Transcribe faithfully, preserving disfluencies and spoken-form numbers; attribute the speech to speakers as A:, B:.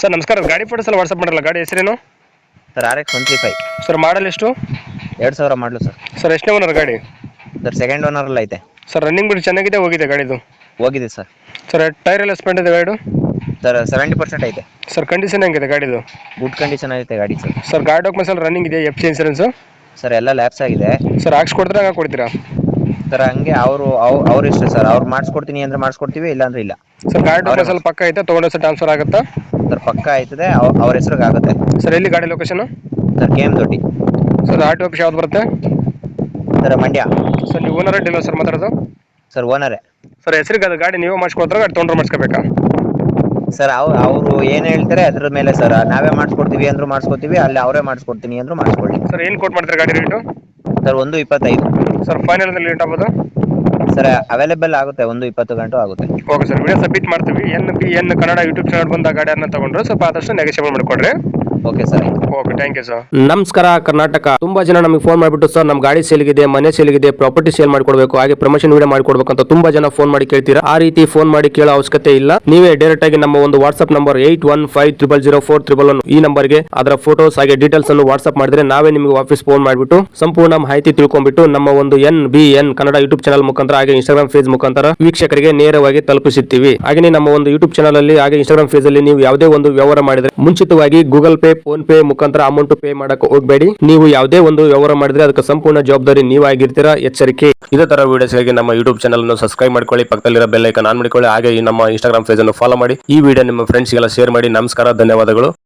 A: Sir ನಮಸ್ಕಾರ, ಗಾಡಿ photos ಎಲ್ಲ ವಾಟ್ಸಪ್ ಮಾಡಲ್ಲ, ಗಾಡಿ ಹೆಸರೇನು?
B: Sir R X one three five
A: sir model ಎಷ್ಟು?
B: ಎರಡು ಸಾವಿರ ಮಾಡಲು ಸರ್.
A: ಸರ್ ಎಷ್ಟನೇ ಓನರ್ ಗಾಡಿ?
B: ಸರ್ ಸೆಕೆಂಡ್ ಓನರಲ್ಲಿ ಐತೆ.
A: ಸರ್ ರನ್ನಿಂಗ್ ಬಿಟ್ಟು ಚೆನ್ನಾಗಿದೆ, ಹೋಗಿದೆ ಗಾಡಿದು?
B: ಹೋಗಿದೆ ಸರ್.
A: ಸರ್ ಟೈರ್ ಎಲ್ಲ ಸ್ಪೆಂಡ್ ಇದೆ ಗಾಡಿ?
B: ಸರ್ ಸೆವೆಂಟಿ ಪರ್ಸೆಂಟ್ ಐತೆ.
A: ಸರ್ ಕಂಡೀಷನ್ ಹೆಂಗಿದೆ ಗಾಡಿದು?
B: ಗುಡ್ ಕಂಡೀಷನ್ ಐತೆ ಗಾಡಿ ಸರ್.
A: ಸರ್ ಗಾಡಿ ಡಾಕ್ಯುಮೆಂಟ್ಸ್ ಎಲ್ಲ ರನ್ನಿಂಗ್ ಇದೆ, ಎಫ್ ಸಿ ಇನ್ಸೂರೆನ್ಸು?
B: ಸರ್ ಎಲ್ಲ ಲ್ಯಾಪ್ಸ್ ಆಗಿದೆ.
A: ಸರ್ ಹಾಕ್ಸ್ಕೊಡ್ತೀರಾ ಹಂಗೆ ಕೊಡ್ತೀರಾ?
B: ಸರ್ ಹಂಗೆ ಅವರು ಅವ್ರ ಇಷ್ಟ ಸರ್, ಅವ್ರು ಮಾಡಿಸ್ಕೊಡ್ತೀನಿ ಅಂದ್ರೆ ಮಾಡಿಸ್ಕೊಡ್ತೀವಿ, ಇಲ್ಲ ಅಂದ್ರೆ ಇಲ್ಲ.
A: ಸರ್ ಗಾಡಿ ಡಾಕ್ಯುಮೆಂಟ್ಸ್ ಎಲ್ಲ ಪಕ್ಕ ಐತೆ, ತೊಗೊಂಡು ಸರ್ ಟ್ರಾನ್ಸ್ಫರ್ ಆಗುತ್ತಾ?
B: ಸರ್ ಪಕ್ಕ ಆಯ್ತದೆ, ಅವ್ರ ಹೆಸ್ರಿಗೆ ಆಗುತ್ತೆ.
A: ಸರ್ ಎಲ್ಲಿ ಗಾಡಿ location?
B: Sir K M Doddi.
A: Sir R T office ಯಾವ್ದು ಬರುತ್ತೆ?
B: ಸರ್ ಮಂಡ್ಯ.
A: ಸರ್ ನೀವು ಓನರ್ ಡೀಲರ್ ಸರ್ ಮಾತಾಡೋದು?
B: ಸರ್ ಓನರೇ.
A: ಸರ್ ಹೆಸರಿಗೆ ಅದು ಗಾಡಿ ನೀವೇ ಮಾಡಿಸ್ಕೊಡ್ತಾರೆ, ಗಾಡಿ ತೊಗೊಂಡ್ರೆ ಮಾಡಿಸ್ಕೋಬೇಕಾ?
B: ಸರ್ ಅವ್ ಅವರು ಏನು ಹೇಳ್ತಾರೆ ಅದ್ರ ಮೇಲೆ ಸರ್, ನಾವೇ ಮಾಡಿಸ್ಕೊಡ್ತೀವಿ ಅಂದ್ರೂ ಮಾಡಿಸ್ಕೊಡ್ತೀವಿ, ಅಲ್ಲಿ ಅವರೇ ಮಾಡಿಸ್ಕೊಡ್ತೀನಿ ಅಂದ್ರೂ ಮಾಡಿಸ್ಕೊಳ್ಳಿ.
A: ಸರ್ ಏನು ಕೊಟ್ಟು ಮಾಡ್ತಾರೆ ಗಾಡಿ ರೇಟು?
B: ಸರ್ ಒಂದು ಇಪ್ಪತ್ತೈದು.
A: ಸರ್ ಫೈನಲ್ ಅಂದ್ರೆ ಲೇಟ್ ಆಗ್ಬೋದು?
B: ಸರ್ ಅವೈಲೇಬಲ್ ಆಗುತ್ತೆ, ಒಂದು ಇಪ್ಪತ್ತು ಗಂಟು ಆಗುತ್ತೆ.
A: ಓಕೆ ಸರ್, ವಿಡಿಯೋ ಸಬ್ಮಿಟ್ ಮಾಡ್ತೀವಿ. N B N Kannada YouTube channel ಬಂದ ಗಾಡಿಯನ್ನು ತಗೊಂಡ್ರೆ ಸ್ವಲ್ಪ ಆದಷ್ಟು ನೆಗೋಷಿಯೇಟ್ ಮಾಡಿಕೊಡ್ರಿ.
B: Okay sir.
A: Okay, thank you sir.
C: ನಮಸ್ಕಾರ ಕರ್ನಾಟಕ. ತುಂಬಾ ಜನ ನಮಗೆ ಫೋನ್ ಮಾಡಿಬಿಟ್ಟು ಸರ್ ನಮ್ಮ ಗಾಡಿ ಸೇಲ್ಗಿದೆ, ಮನೆ ಸೇಲ್ಗಿದೆ, ಪ್ರಾಪರ್ಟಿ ಸೇಲ್ ಮಾಡ್ಕೊಡ್ಬೇಕು, ಹಾಗೆ ಪ್ರಮೋಷನ್ ವಿಡಿಯೋ ಮಾಡ್ಕೊಡ್ಬೇಕು ಅಂತ ತುಂಬಾ ಜನ ಫೋನ್ ಮಾಡಿ ಕೇಳ್ತೀರಾ. ಆ ರೀತಿ ಫೋನ್ ಮಾಡಿ ಕೇಳೋ ಅವಶ್ಯಕತೆ ಇಲ್ಲ. ನೀವೇ ಡೈರೆಕ್ಟ್ ಆಗಿ ನಮ್ಮ ಒಂದು WhatsApp number eight one five triple zero four triple one ಈ ನಂಬರ್ಗೆ ಅದರ ಫೋಟೋಸ್ ಹಾಗೆ ಡೀಟೇಲ್ಸ್ ಅನ್ನು ವಾಟ್ಸ್ಆಪ್ ಮಾಡಿದ್ರೆ ನಾವೇ ನಿಮಗೆ ವಾಪಸ್ ಫೋನ್ ಮಾಡಿಬಿಟ್ಟು ಸಂಪೂರ್ಣ ಮಾಹಿತಿ ತಿಳ್ಕೊಂಡ್ಬಿಟ್ಟು ನಮ್ಮ ಒಂದು N B N Kannada YouTube channel ಮುಖಾಂತರ ಹಾಗೆ ಇನ್ಸ್ಟಾಗ್ರಾಮ್ ಫೇಸ್ ಮುಖಾಂತರ ವೀಕ್ಷಕರಿಗೆ ನೇರವಾಗಿ ತಲುಪಿಸುತ್ತೀವಿ. ಹಾಗೆ ನಮ್ಮ ಒಂದು ಯೂಟ್ಯೂಬ್ ಚಾನಲ್ ಅಲ್ಲಿ ಹಾಗೆ ಇನ್ಸ್ಟಾಗ್ರಾಮ್ ಫೇಸ್ ಅಲ್ಲಿ ನೀವು ಯಾವುದೇ ಒಂದು ವ್ಯವಹಾರ ಮಾಡಿದ್ರೆ ಮುಂಚಿತವಾಗಿ ಗೂಗಲ್ ಪೇ, ಫೋನ್ ಪೇ ಮುಖಾಂತರ ಅಮೌಂಟ್ ಪೇ ಮಾಡಕ್ಕೆ ಹೋಗಬೇಡಿ. ನೀವು ಯಾವುದೇ ಒಂದು ವ್ಯವಹಾರ ಮಾಡಿದ್ರೆ ಅದಕ್ಕೆ ಸಂಪೂರ್ಣ ಜವಾಬ್ದಾರಿ ನೀವಾಗಿರ್ತೀರಾ, ಎಚ್ಚರಿಕೆ. ಇದೇ ತರ ವಿಡಿಯೋಸ್ಗಾಗಿ ನಮ್ಮ ಯೂಟ್ಯೂಬ್ ಚಾನಲ್ ಅನ್ನು ಸಬ್ಸ್ಕ್ರೈಬ್ ಮಾಡ್ಕೊಳ್ಳಿ, ಪಕ್ಕದಲ್ಲಿರೋ ಬೆಲ್ ಐಕಾನ್ ಆನ್ ಮಾಡಿಕೊಳ್ಳಿ, ಹಾಗೆ ನಮ್ಮ ಇನ್ಸ್ಟಾಗ್ರಾಮ್ ಪೇಜ್ ಅನ್ನು ಫಾಲೋ ಮಾಡಿ. ಈ ವಿಡಿಯೋ ನಿಮ್ಮ ಫ್ರೆಂಡ್ಸ್ಗೆಲ್ಲ ಶೇರ್ ಮಾಡಿ. ನಮಸ್ಕಾರ, ಧನ್ಯವಾದಗಳು.